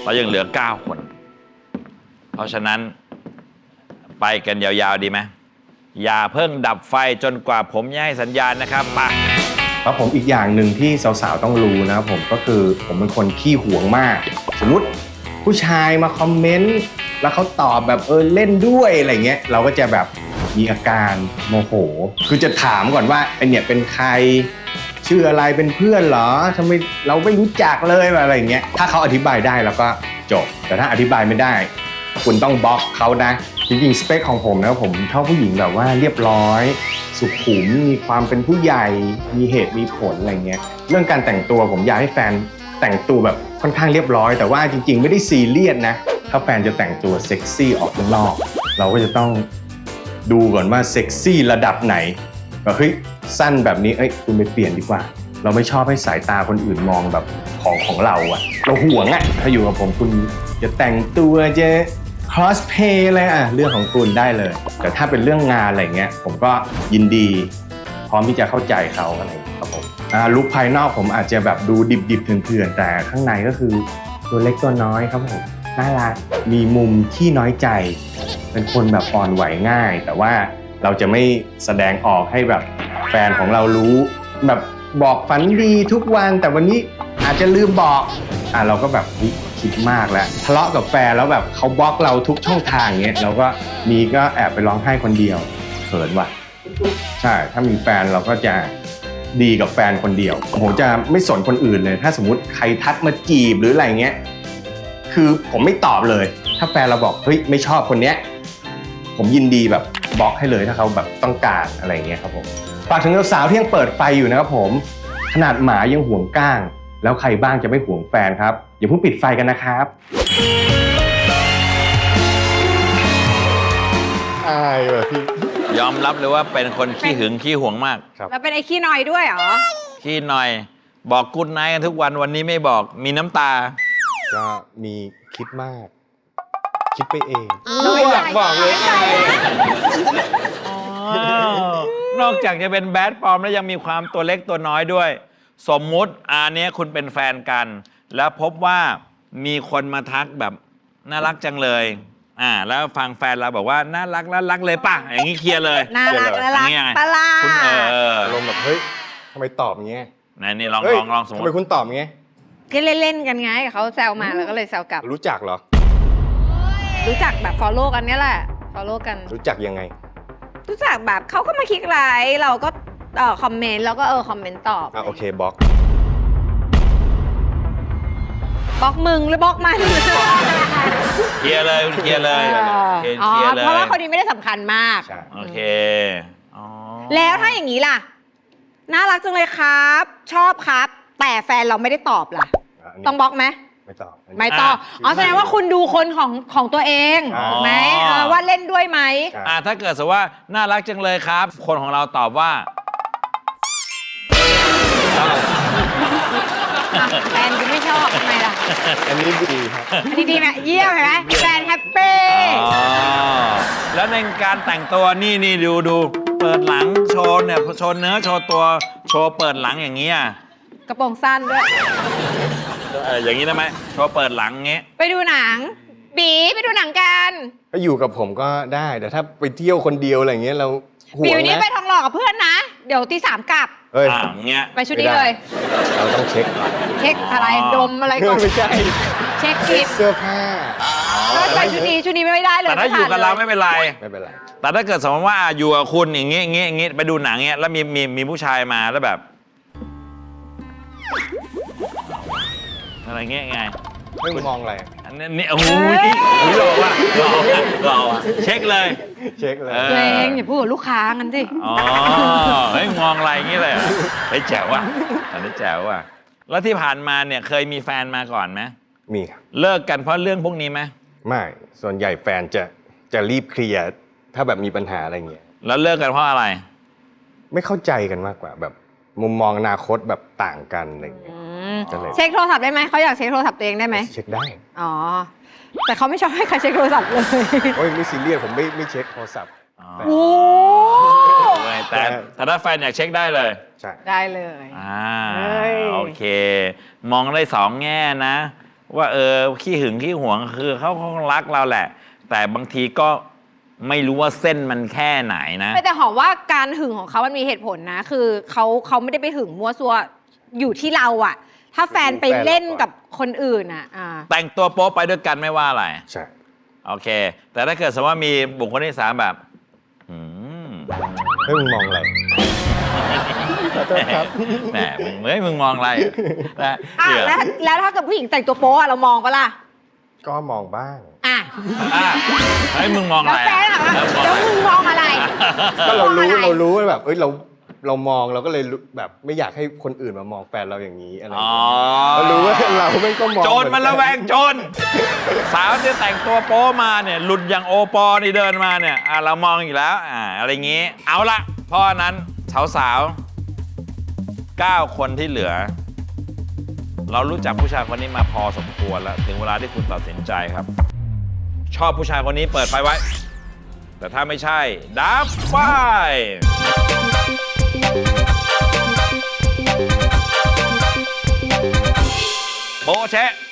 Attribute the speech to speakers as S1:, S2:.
S1: เรายังเหลือ9 คน เพราะฉะนั้นไปกันยาวๆดีไหมอย่าเพิ่งดับไฟจนกว่าผมจะให้สัญญาณนะครับไป
S2: แล้วผมอีกอย่างหนึ่งที่สาวๆต้องรู้นะครับผมก็คือผมเป็นคนขี้หวงมากสมมุติผู้ชายมาคอมเมนต์แล้วเขาตอบแบบเล่นด้วยอะไรเงี้ยเราก็จะแบบมีอาการโมโหคือจะถามก่อนว่าไอเนี่ยเป็นใครชื่ออะไรเป็นเพื่อนเหรอทำไมเราไม่รู้จักเลยอะไรเงี้ยถ้าเขาอธิบายได้เราก็จบแต่ถ้าอธิบายไม่ได้คุณต้องบล็อกเขานะจริงๆสเปคของผมนะผมชอบผู้หญิงแบบว่าเรียบร้อยสุขุมมีความเป็นผู้ใหญ่มีเหตุมีผลอะไรเงี้ยเรื่องการแต่งตัวผมอยากให้แฟนแต่งตัวแบบค่อนข้างเรียบร้อยแต่ว่าจริงๆไม่ได้ซีเรียสนะถ้าแฟนจะแต่งตัวเซ็กซี่ออกข้างนอกเราก็จะต้องดูก่อนว่าเซ็กซี่ระดับไหนก็เฮ้ยสั้นแบบนี้คุณไปเปลี่ยนดีกว่าเราไม่ชอบให้สายตาคนอื่นมองแบบของเราอะเราห่วงอะถ้าอยู่กับผมคุณจะแต่งตัวจะcosplay อะไรเรื่องของคุณได้เลยแต่ถ้าเป็นเรื่องงานอะไรเงี้ยผมก็ยินดีพร้อมที่จะเข้าใจเขาอะไรครับผมลุคภายนอกผมอาจจะแบบดูดิบๆเถื่อนๆแต่ข้างในก็คือตัวเล็กตัวน้อยครับผมน่ารักมีมุมขี้น้อยใจเป็นคนแบบอ่อนไหวง่ายแต่ว่าเราจะไม่แสดงออกให้แบบแฟนของเรารู้แบบบอกฝันดีทุกวันแต่วันนี้อาจจะลืมบอกเราก็แบบคิดมากแล้วทะเลาะกับแฟนแล้วแบบเขาบล็อกเราทุกช่องทางเงี้ยเราก็แอบไปร้องไห้คนเดียวเขินว่ะใช่ถ้ามีแฟนเราก็จะดีกับแฟนคนเดียวผมจะไม่สนคนอื่นเลยถ้าสมมุติใครทักมาจีบหรืออะไรเงี้ยคือผมไม่ตอบเลยถ้าแฟนเราบอกเฮ้ยไม่ชอบคนเนี้ยผมยินดีแบบบล็อกให้เลยถ้าเขาแบบต้องการอะไรเงี้ยครับผมฝากถึงสาวๆที่ยังเปิดไฟอยู่นะครับผมขนาดหมายังห่วงก้างแล้วใครบ้างจะไม่ห่วงแฟนครับอย่าเพิ่งปิดไฟกันนะครับอายว่ะพี่
S1: ยอมรับเลยว่าเป็นคนขี้หึงขี้หวงมาก
S3: แล้วเป็นไอ้ขี้นอยด้วยเหรอ
S1: ขี้หน่อยบอกกุ๊ดไนท์กันทุกวันวันนี้ไม่บอกมีน้ำตา
S2: ก็มีคิดมากคิดไปเองไม่อยากบอกเลย
S1: นอกจากจะเป็นแบดปลอมแล้วยังมีความตัวเล็กตัวน้อยด้วยสมมุติอันนี้คุณเป็นแฟนกันแล้วพบว่ามีคนมาทักแบบน่ารักจังเลยแล้วฟังแฟนเราบอกว่าน่ารักเลยป่ะอย่างนี้เคลียร์เลย
S3: น่ารักปะล่ะ
S1: คุณ
S2: อารมณ์แบบเฮ้ยทำไมตอบอย่างเงี้ย
S1: นี่ลองสมมติ
S2: ทำไมคุณตอบอย่างเงี้ย
S3: ก็เล่นๆกันไงเขาแซวมาแล้วก็เลยแซวกลับ
S2: รู้จักเหรอ
S3: รู้จักแบบ follow กันนี่แหละ follow กัน
S2: รู้จักยังไง
S3: รู้จักแบบเขาก็มาคลิกไลค์เราก็คอมเมนต์แล้วก็คอมเมนต์ตอบ
S2: โอเคบล็อก
S3: มึงหรือบล็อกมัน
S1: เคลียร์เลยเคลียร์เลย
S3: เพราะว่าคนนี้ไม่ได้สำคัญมาก
S1: โอเค
S3: แล้วถ้าอย่างนี้ล่ะน่ารักจังเลยครับชอบครับแต่แฟนเราไม่ได้ตอบล่ะต้องบล็อกไหมไม่ตอบแสดงว่าคุณดูคนของตัวเองถูกไหมว่าเล่นด้วยไหม
S1: ถ้าเกิดสมมติว่าน่ารักจังเลยครับคนของเราตอบว่า
S3: แฟนก็ไม่ชอบทำไมล่ะ
S2: อันนี้ดีครับ
S3: ดีไหมเยี่ยมเห็นไหมแฟนแฮปปี้
S1: แล้วในการแต่งตัวนี่ดูเปิดหลังโชว์เนี่ยโชว์เนื้อโชว์ตัวโชว์เปิดหลังอย่างนี้
S3: กระโปรงสั้นด้วย
S1: อย่างนี้ได้ไหมโชว์เปิดหลังงี้
S3: ไปดูหนังบีไปดูหนังกัน
S2: ก็อยู่กับผมก็ได้แต่ถ้าไปเที่ยวคนเดียวอะไรเงี้ยเราห่วงนะ
S3: บีวันนี้ไปทองหล่อกับเพื่อนนะเดี๋ยวตี 3กลับ
S1: เงี้ย
S3: ไปชุดนี้เลย
S2: เราต้องเช็ค
S3: อะไรดมอะไรก่อน
S2: ไม่ใช่
S3: เช็คกิ
S2: เสื้อผ้า
S3: ก็ไปชุดนี้ไม่ได้เลย
S1: แต่ถ้าอยู่กับเราไม่เป็นไรแต่ถ้าเกิดสมมติว่าอยู่กับคุณอย่างงี้ไปดูหนังเงี้ยแล้วมีผู้ชายมาแล้วแบบอะไรเงี้ยไง
S2: ไม่มองอะไร
S1: อันนี้โอ้ยหล่อว่ะเช็คเลย
S3: ตัวเองอย่าพูดกับลูกค้ากันสิ
S1: เฮ้ยมองอะไรอย่างงี้เลยเฮ้ยแจ๋วว่ะอันนี้แจ๋วว่ะแล้วที่ผ่านมาเนี่ยเคยมีแฟนมาก่อนไหม
S2: มีครับ
S1: เลิกกันเพราะเรื่องพวกนี้ไหม
S2: ไม่ส่วนใหญ่แฟนจะรีบเคลียร์ถ้าแบบมีปัญหาอะไรเงี้ย
S1: แล้วเลิกกันเพราะอะไร
S2: ไม่เข้าใจกันมากกว่าแบบมุมมองอนาคตแบบต่างกันอะไรเงี้ย
S3: เช็คโทรศัพท์ได้ไหมเขาอยากเช็คโทรศัพท์ตัวเองได้ไหม
S2: เช็คได้
S3: แต่เขาไม่ชอบให้ใครเช็คโทรศัพท์เลย
S2: โอ้ยไม่ซีเรียสผมไม่เช็คโทรศัพท์
S3: โอ้
S1: แต่ถ้าแฟนอยากเช็คได้เลย
S3: ใช่ได้เลย
S1: โอเคมองได้2 แง่นะว่าขี้หึงขี้หวงคือเขารักเราแหละ แต่บางทีก็ไม่รู้ว่าเส้นมันแค่ไหนนะ
S3: แต่หอมว่าการหึงของเขามันมีเหตุผลนะ คือเขาไม่ได้ไปหึงมั่วซั่วอยู่ที่เราอะถ้าแฟนไปเล่นกับคนอื่นอะ
S1: แต่งตัวโป๊ไปด้วยกันไม่ว่าอะไร
S2: ใช่
S1: โอเค แต่ถ้าเกิดสมมติว่ามีบุคคลที่สามแบบ
S2: เฮ้ยมึงมองอะไรขอโทษครับ
S1: แหมมึงมองอะไรนะ
S3: แล้วถ้าเกิดผู้หญิงแต่งตัวโป๊อะเรามองปะล่ะ
S2: ก็มองบ้าง
S1: เฮ้ยมึงมอง
S3: แล้
S1: อะ
S3: ว
S1: ไร
S3: แฟนอะแล้วมึงมองอะไร
S2: ก็เรารู้ว่าแบบเรามองเราก็เลยแบบไม่อยากให้คนอื่นมามองแฟนเราอย่างนี้อะไรอย่างเงี้ยเรารู้ว่าเราไม่ก็มอง
S1: โจรมันระแวงโจรสาวที่แต่งตัวโป๊มาเนี่ยหลุดอย่างโอปอนี่เดินมาเนี่ยเรามองอีกแล้วอะไรอย่างงี้เอาละเพราะนั้นสาว9 คนที่เหลือ เรารู้จักผู้ชายคนนี้มาพอสมควรแล้วถึงเวลาที่คุณตัดสินใจครับ ชอบผู้ชายคนนี้เปิดไฟไว้ แต่ถ้าไม่ใช่ดับไฟโบะเชะ